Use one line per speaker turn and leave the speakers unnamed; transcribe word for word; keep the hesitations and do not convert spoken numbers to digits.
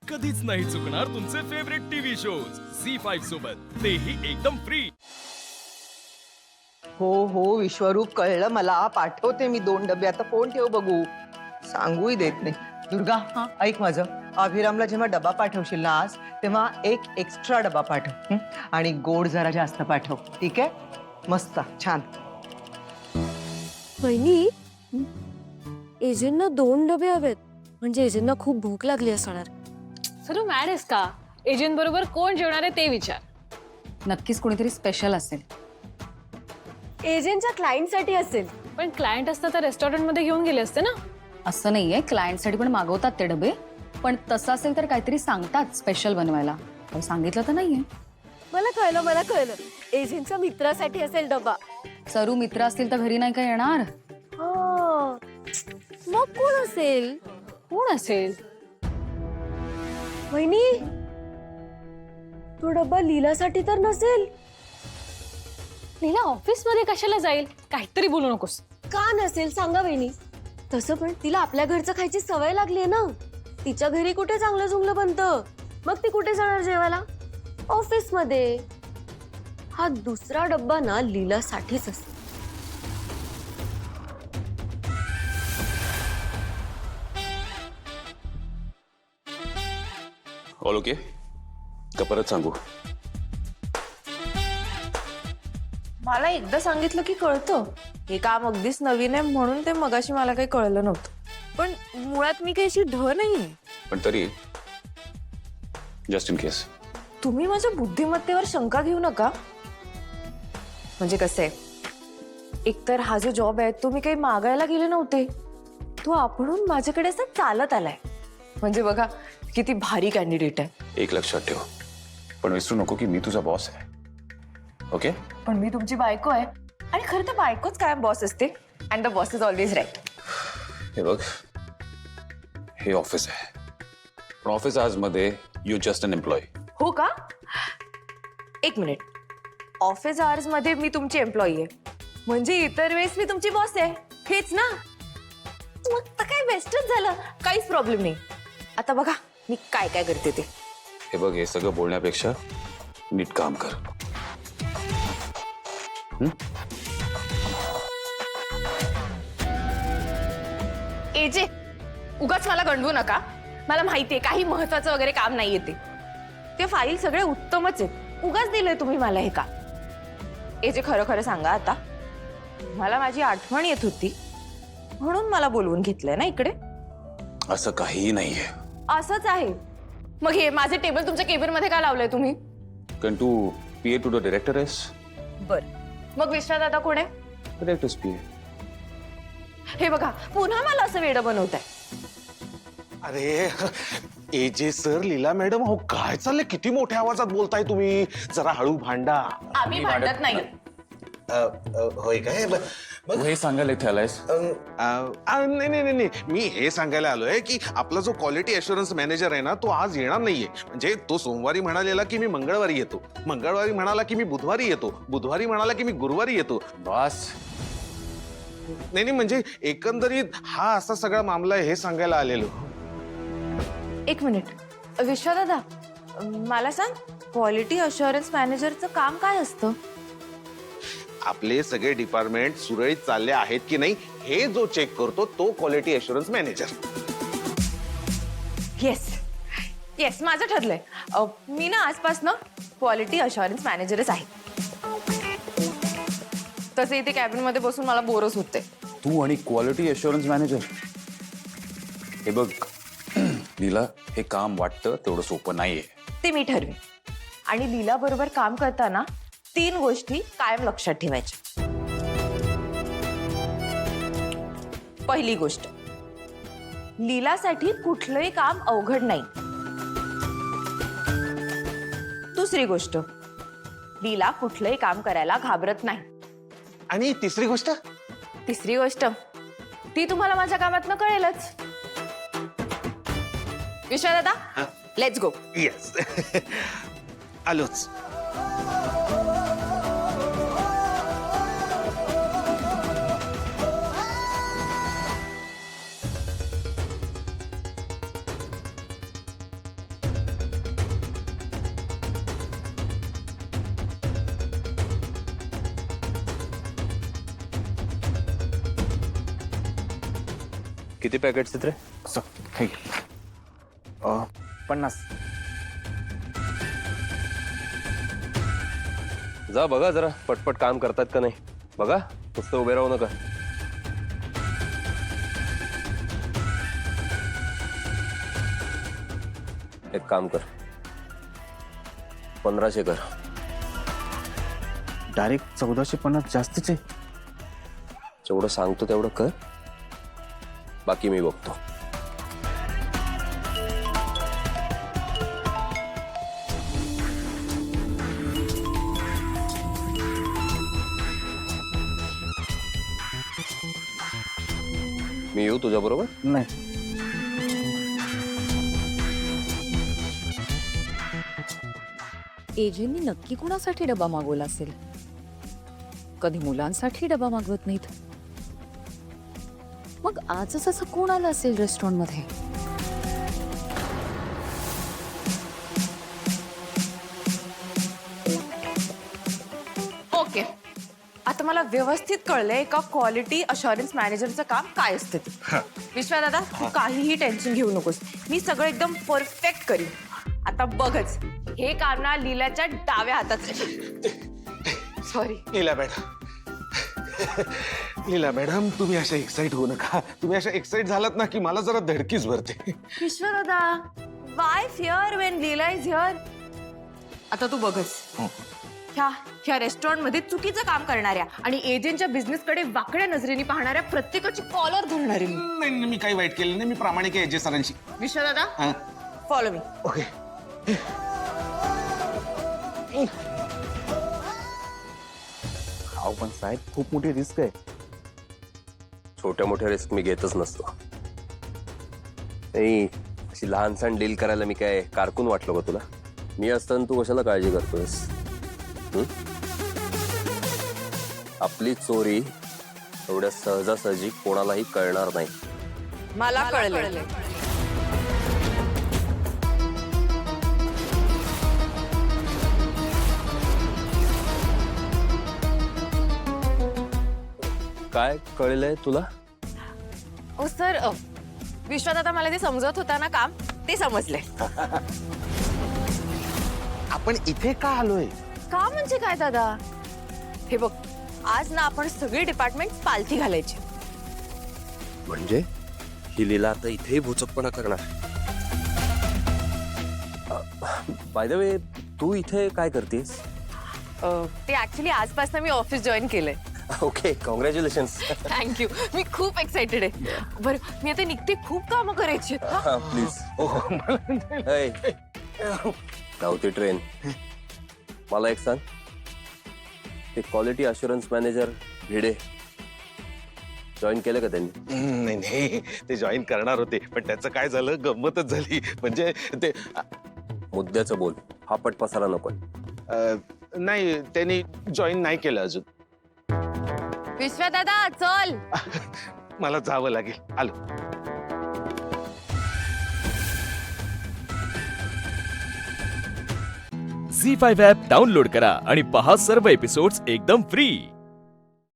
कधीच नाही चुकणार तुमचे favourite TV shows Zee five सोबत, तेही एकदम फ्री।
हो हो विश्वरूप, कळलं मला। पाठवते मी दोन डबे। आता फोन ठेव बघू, सांगूही देत नाही। दुर्गा, हा ऐक माझं, अभिरामला जेव्हा डबा पाठवशील ना आज, तेव्हा एक एक्स्ट्रा डबा पाठव, हं? आणि गोड जरा जास्त पाठव, ठीक आहे? मस्त, छान।
वहिनी, एजेंना दोन डबे हवेत, म्हणजे एजेंना खूप भूक लागली असणार।
सर, मॅड आहेस का? एजंट बरोबर कोण जेवणार आहे ते विचार।
नक्कीच कोणीतरी स्पेशल असेल।
एजेंटच्या क्लायंटसाठी असेल।
पण क्लायंट असता तर रेस्टॉरंट मध्ये घेऊन गेले असते ना।
असं नाहीये, क्लायंटसाठी पण मागवतात ते डबे, पण तसं असेल तर काहीतरी सांगतात स्पेशल बनवायला। काही सांगितलं तर नाहीये।
मला कळलं, मला कळलं, एजेंटच्या मित्रासाठी असेल डबा।
सरू मित्र असतील तर घरी नाही का येणार?
हा, मग कोण असेल?
कोण असेल?
वहिनी, तो डबा लीलासाठी तर नसेल?
लीला ऑफिस मध्ये कशाला जाईल? काहीतरी बोलू नकोस।
का नसेल सांगा वहिनी। तसं पण तिला आपल्या घरचं खायची सवय लागली आहे ना। तिच्या घरी कुठे चांगलं जुंगलं बनतं, मग ती कुठे जाणार जेवायला? ऑफिस मध्ये। हा दुसरा डब्बा ना लीलासाठीच असतो।
ऑल ओके का परत सांगू?
मला एकदा सांगितलं की कळतं। हे काम अगदीच नवीन आहे म्हणून ते मगाशी मला काही कळलं नव्हतं, पण मुळात मी काही अशी ढ नाहीये।
पण तरी जस्ट इन केस
तुम्ही माझ्या बुद्धिमत्तेवर शंका घेऊ नका। म्हणजे कसं आहे, एकतर हा जो जॉब आहे तो मी काही मागायला गेले नव्हते, तो आपणहून माझ्याकडे असा चालत आलाय। म्हणजे बघा किती भारी कॅन्डिडेट आहे।
एक लक्षात ठेव, पण विसरू नको की मी तुझा बॉस आहे, ओके?
पण मी तुमची बायको आहे, आणि खरं तर बायकोच कायम बॉस असते, and the boss is always right.
हे बघ, हे ऑफिस आहे, पण ऑफिस आज मध्ये यू जस्ट अन एम्प्लॉय।
हो का? एक मिनिट, ऑफिस आवर्स मध्ये मी तुमची एम्प्लॉई आहे, म्हणजे इतर वेळेस मी तुमची बॉस आहे, हेच ना? मग तर काय बेस्टच झालं, काहीच प्रॉब्लेम नाही। आता बघा मी काय काय करते ते।
हे बघ, हे सगळं बोलण्यापेक्षा नीट काम कर। हं?
एजे, उगाच मला गंडवू नका। मला माहितीये काही महत्वाचं वगैरे काम नाहीये ते ते फाईल सगळे उत्तमच आहेत, उगाच दिलंय तुम्ही मला हे का? एजे, खरं खरं सांगा, आता मला माझी आठवण येत होती म्हणून मला बोलवून घेतलंय ना इकडे?
असं काहीही नाहीये।
असंच आहे। मग हे माझे टेबल तुमच्या केबिन मध्ये का लावलंय तुम्ही?
कारण तू पीए टू द डायरेक्टर आहेस।
बर, मग विश्वास दादा कोण आहे?
Director's PA.
हे बघा, पुन्हा मला असं वेडं बनवताय।
अरे एजे सर, लीला मॅडम, हो काय चाललंय? किती मोठ्या आवाजात बोलताय तुम्ही? जरा हळू भांडा।
आम्ही भांडत नाही।
अ, अ, होय काय? ब-
तू हे सांगायला इथे आलायस?
अ, अ, नाही नाही नाही नाही. मी हे सांगायला आलोय की आपला जो क्वालिटी अश्युरन्स मॅनेजर आहे ना, तो आज येणार नाहीये। म्हणजे तो सोमवारी म्हणालेला की मी मंगळवारी येतो, मंगळवारी म्हणाला की मी बुधवारी येतो, बुधवारी म्हणाला की मी गुरुवारी येतो।
बस,
नाही नाही, म्हणजे एकंदरीत हा असा सगळा मामला आहे हे सांगायला आलेलो।
एक मिनिट, विश्वास दादा, मला सांग, क्वालिटी अश्युरन्स मॅनेजरचं काम काय असतं?
आपले सगळे डिपार्टमेंट सुरळीत चालले आहेत की नाही हे जो चेक करतो तो quality assurance manager.
Yes yes, माझं ठरलंय। अ, मी ना आजपासनं क्वालिटी अश्युरन्स मॅनेजरच आहे। तसे इथे कॅबिन मध्ये बसून मला बोरच होते।
तू आणि क्वालिटी अश्युरन्स मॅनेजर? हे बघ लीला, हे काम वाटतं तेवढं सोपं नाहीये।
ते मी ठरवेन, आणि लीला बरोबर काम करताना तीन गोष्टी कायम लक्षात ठेवायच्या। पहिली गोष्ट, लीलासाठी कुठलंही काम अवघड नाही। दुसरी गोष्ट, लीला कुठलंही काम करायला घाबरत नाही।
आणि तिसरी गोष्ट?
तिसरी गोष्ट ती तुम्हाला माझ्या कामातनं कळेलच। विश्वास दादा, लेट्स गो।
येस आलोच।
किती पॅकेट्स आहेत रे?
असं हे घे. अ, पन्नास.
जा बघा जरा पटपट काम करतात का नाही बघा, नुसतं उभे राहू नका. एक काम कर, पंधराशे कर.
डायरेक्ट चौदाशे पन्नास जास्तीच आहे.
जेवढं सांगतो तेवढं कर, बाकी मी बघतो. मी येऊ तुझ्या बरोबर?
नाही.
एजेंनी नक्की कोणासाठी डबा मागवला असेल? कधी मुलांसाठी डबा मागवत नाहीत. मग आजच असं कोण आलं असेल रेस्टॉरंट मध्ये?
ओके, आता मला व्यवस्थित कळलंय का क्वालिटी अशुरन्स मॅनेजरचं काम काय असतं ते. विश्वा दादा, तू काहीही टेन्शन घेऊ नकोस, मी सगळं एकदम परफेक्ट करीन. आता बघच, हे काम ना लीलाच्या डाव्या हातात. Sorry
Leela madam. Leela madam, तुम्ही अशा एक्साइट होऊ नका. तुम्ही अशा एक्साइट झालात ना की मला जरा धडकीच भरते.
विश्वा दादा, why fear when Leela is here. आता तू बघच, ह्या ह्या रेस्टॉरंट मध्ये चुकीचं काम करणाऱ्या आणि एजंटच्या बिझनेस कडे वाकड्या नजरेने पाहणाऱ्या प्रत्येकाची कॉलर धरणारी मी.
नाही नाही, मी काही वाईट केलं नाही. मी प्रामाणिक आहे एजे सरांशी.
विश्वा दादा, फॉलो मी.
ओके.
अहो पण साहेब, खूप मोठी रिस्क आहे.
छोट्या मोठ्या रिस्क मी घेतच नसतो. नाही, अशी लहान सहान डील करायला मी काय कारकून वाटलो का तुला? मी असताना तू कशाला काळजी करतोयस? हं? आपली चोरी एवढ्या सहजासहजी कोणालाही कळणार नाही.
मला कळलं.
काय कळलंय तुला?
ओ सर, विश्वादादा मला जे समजत होता ना काम, ते समजले.
आपण इथे का आलोय?
का म्हणजे काय दादा? हे बघ, आज ना आपण सगळे डिपार्टमेंट पालथी घालायची.
म्हणजे ही लीला आता इथेही भोचकपणा करणार? बाय द वे, तू इथे काय करतेस?
ते ऍक्च्युली आजपासून मी ऑफिस जॉईन केलंय.
Okay, congratulation.
थँक्यू, मी खूप एक्साइटेड आहे. बरं, मी आता निघते, खूप कामं करायची आहेत.
प्लीज. धावती ट्रेन. मला एक सांग, ते quality assurance manager Bhide join केलं का त्यांनी?
नाही नाही, ते जॉईन करणार होते, पण त्याचं काय झालं, गंमतच झाली. म्हणजे ते
मुद्द्याचं बोल, फापट पसारा नको.
नाही, त्यांनी जॉईन नाही केलं अजून.
विश्वा दादा, चल.
मला जावं लागेल. आलो.
झी फाईव्ह ॲप डाउनलोड करा आणि पहा सर्व एपिसोड्स एकदम फ्री.